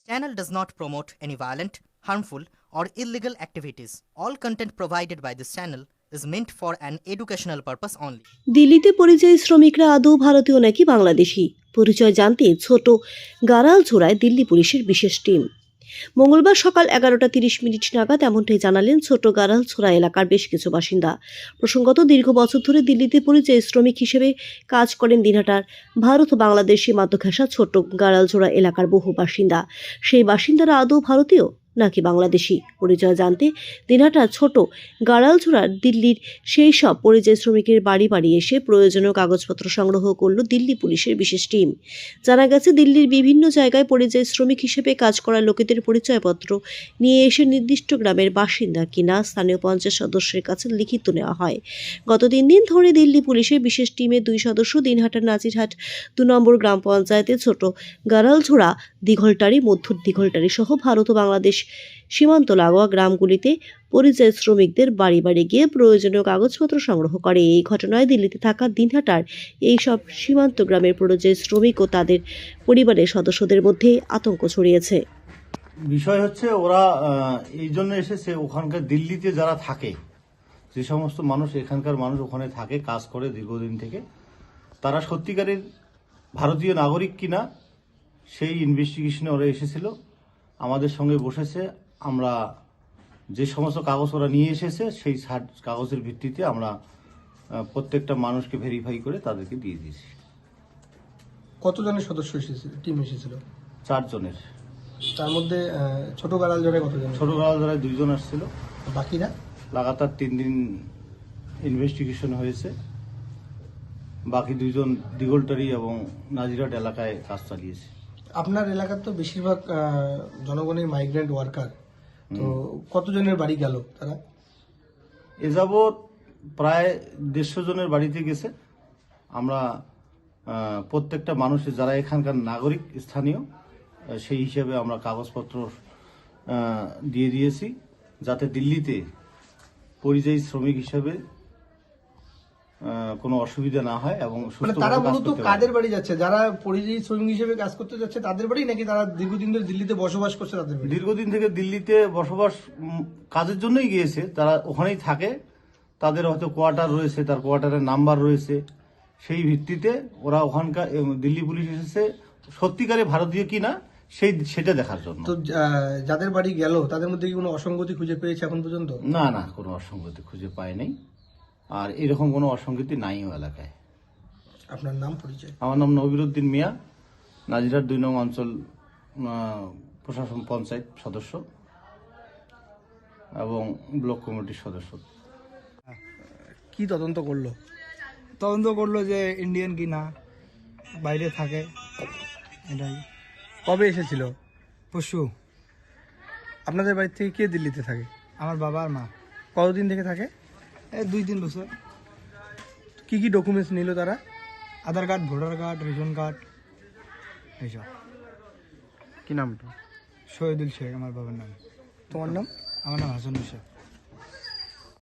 Channel does not promote any violent, harmful, or illegal activities. All content provided by this channel is meant for an educational purpose only. দিল্লিতে পরিযায়ী শ্রমিকরা আদৌ ভারতীয় নাকি বাংলাদেশি পরিচয় জানতে ছোট গাড়ালছোড়ায় দিল্লি পুলিশের বিশেষ টিম। মঙ্গলবার সকাল 11:30 নাগাদ এমনটাই জানালেন ছোট গাড়ালছোড়া এলাকার বেশ কিছু বাসিন্দা। প্রসঙ্গত দীর্ঘ বছর ধরে দিল্লিতে পরিযায়ী শ্রমিক হিসেবে কাজ করেন দিনহাটার ভারত ও বাংলাদেশ সীমান্ত ঘেঁষা ছোট গাড়ালছোড়া এলাকার বহু বাসিন্দা। সেই বাসিন্দারা আদৌ ভারতীয় নাকি বাংলাদেশি পরিচয় জানতে দিনহাটার ছোট গাড়ালছোড়ার দিল্লির সেই সব পরিযায়ী শ্রমিকের বাড়ি বাড়ি এসে প্রয়োজনীয় কাগজপত্র সংগ্রহ করল দিল্লি পুলিশের বিশেষ টিম। জানা গেছে দিল্লির বিভিন্ন জায়গায় পরিযায়ী শ্রমিক হিসেবে কাজ করা লোকেদের পরিচয়পত্র নিয়ে এসে নির্দিষ্ট গ্রামের বাসিন্দা কিনা স্থানীয় পঞ্চায়েত সদস্যের কাছে লিখিত নেওয়া হয়। গত 3 দিন ধরে দিল্লি পুলিশের বিশেষ টিমের 2 সদস্য দিনহাটার নাজিরহাট 2 নম্বর গ্রাম পঞ্চায়েতের ছোট গাড়ালছোড়া, দিঘলটারি, মধ্য দিঘলটারি সহ ভারত ও বাংলাদেশ সীমান্ত লাগোয়া গ্রামগুলিতে পরিযায়ী শ্রমিকদের বাড়ি বাড়ি গিয়ে প্রয়োজনীয় কাগজপত্র সংগ্রহ করে। এই ঘটনায় দিল্লিতে থাকা দিনহাটার এই সব সীমান্ত গ্রামের পরিযায়ী শ্রমিক ও তাদের পরিবারের সদস্যদের মধ্যে আতঙ্ক ছড়িয়েছে। বিষয় হচ্ছে ওরা এই জন্য এসেছে, ওখানকার দিল্লিতে যারা থাকে, যে সমস্ত মানুষ এখানকার মানুষ ওখানে থাকে, কাজ করে দীর্ঘদিন থেকে, তারা সত্যিকারের ভারতীয় নাগরিক কিনা সেই ইনভেস্টিগেশনে ওরা এসেছিল, আমাদের সঙ্গে বসেছে। আমরা যে সমস্ত কাগজ ওরা নিয়ে এসেছে সেই কাগজের ভিত্তিতে আমরা প্রত্যেকটা মানুষকে ভেরিফাই করে তাদেরকে দিয়ে দিয়েছি। কতজনের সদস্য এসেছিল, টিম এসেছিল? 4 জনের। তার মধ্যে ছোট গাড়ালজোড়ায় কতজন? ছোট গাড়ালজোড়ায় 2 জন আসছিল। বাকিরা লাগাতার 3 দিন ইনভেস্টিগেশন হয়েছে। বাকি 2 জন দিঘলটারি এবং নাজিরহাট এলাকায় কাজ চালিয়েছে। আপনার এলাকার তো বেশিরভাগ জনগণের মাইগ্রেন্ট ওয়ার্কার, তো কতজনের বাড়ি গেল তারা? এ যাবৎ প্রায় 150 জনের বাড়িতে গেছে। আমরা প্রত্যেকটা মানুষের যারা এখানকার নাগরিক স্থানীয় সেই হিসাবে আমরা কাগজপত্র দিয়ে দিয়েছি, যাতে দিল্লিতে পরিযায়ী শ্রমিক হিসাবে কোনো অসুবিধা না হয় এবং তারা মূলত কাদের বাড়ি যাচ্ছে? যারা পরিযায়ী শ্রমিক হিসেবে কাজ করতে যাচ্ছে তাদের বাড়ি, নাকি তারা দীর্ঘদিন ধরে দিল্লিতে বসবাস করছে তাদের বাড়ি? দীর্ঘদিন থেকে দিল্লিতে বসবাস কাজের জন্যই গিয়েছে, তারা ওখানেই থাকে, তাদের হয়তো কোয়ার্টার রয়েছে, তার কোয়ার্টারের নাম্বার রয়েছে, সেই ভিত্তিতে ওরা ওখানকার দিল্লি পুলিশ এসেছে সত্যিকারে ভারতীয় কিনা সেটা দেখার জন্য। তো যাদের বাড়ি গেল তাদের মধ্যে কি কোনো অসঙ্গতি খুঁজে পেয়েছে এখন পর্যন্ত? না, কোনো অসঙ্গতি খুঁজে পায় নাই, আর এরকম কোনো অসঙ্গতি নাইও এলাকায়। আপনার নাম, পরিচয়? আমার নাম নবিরুদ্দিন মিয়া, নাজিরহাট 2 নং অঞ্চল প্রশাসন পঞ্চায়েত সদস্য এবং ব্লক কমিটির সদস্য। কি তদন্ত করলো? তদন্ত করলো যে ইন্ডিয়ান কি না, বাইরে থাকে, এটাই। কবে এসেছিল? পশু। আপনাদের বাড়ি থেকে কে দিল্লিতে থাকে? আমার বাবা আর মা। কতদিন থেকে থাকে? এই 2-3 বছর। কি কি ডকুমেন্টস নিল তারা? Aadhaar card, voter card, ration card, এইসব। কি নামটা? শহীদুল শেখ আমার বাবার নাম। তোমার নাম? আমার নাম হাসানুল শেখ।